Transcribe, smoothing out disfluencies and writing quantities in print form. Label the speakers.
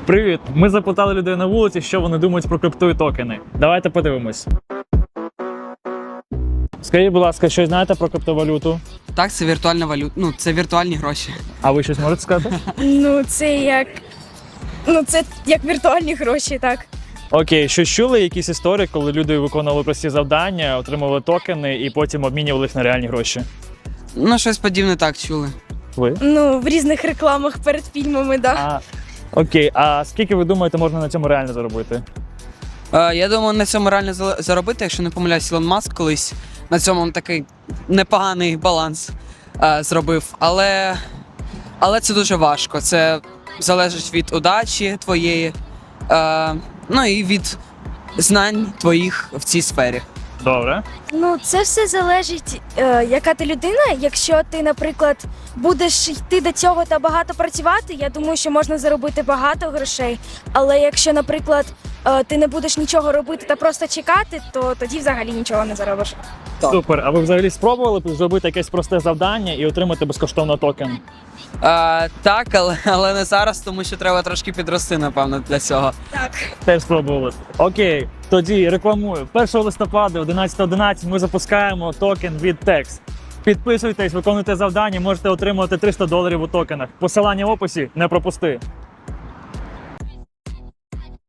Speaker 1: Привіт! Ми запитали людей на вулиці, що вони думають про крипту і токени. Давайте подивимось. Скажіть, будь ласка, щось знаєте про криптовалюту?
Speaker 2: Так, це віртуальна валюта. Ну, це віртуальні гроші.
Speaker 1: А ви щось можете сказати?
Speaker 3: Це як віртуальні гроші, так.
Speaker 1: Окей, що чули якісь історії, коли люди виконували прості завдання, отримували токени і потім обмінювали їх на реальні гроші?
Speaker 2: Ну, щось подібне так чули.
Speaker 1: Ви?
Speaker 3: В різних рекламах перед фільмами, так.
Speaker 1: Окей, а скільки ви думаєте, можна на цьому реально заробити?
Speaker 2: Я думаю, на цьому реально заробити, якщо не помиляюсь, Ілон Маск колись на цьому такий непоганий баланс зробив. Але це дуже важко. Це залежить від удачі твоєї, ну і від знань твоїх в цій сфері.
Speaker 1: Добре.
Speaker 3: Це все залежить, яка ти людина. Якщо ти, наприклад, будеш йти до цього та багато працювати, я думаю, що можна заробити багато грошей. Але якщо, наприклад, ти не будеш нічого робити та просто чекати, то тоді взагалі нічого не заробиш.
Speaker 2: Так.
Speaker 1: Супер. А ви взагалі спробували зробити якесь просте завдання і отримати безкоштовно токен?
Speaker 2: Так, але не зараз, тому що треба трошки підрости, напевно, для цього.
Speaker 3: Так.
Speaker 1: Теж спробували. Окей, тоді рекламую. 1 листопада, 11:11 ми запускаємо токен від TEX. Підписуйтесь, виконуйте завдання, можете отримувати $300 у токенах. Посилання в описі, не пропусти.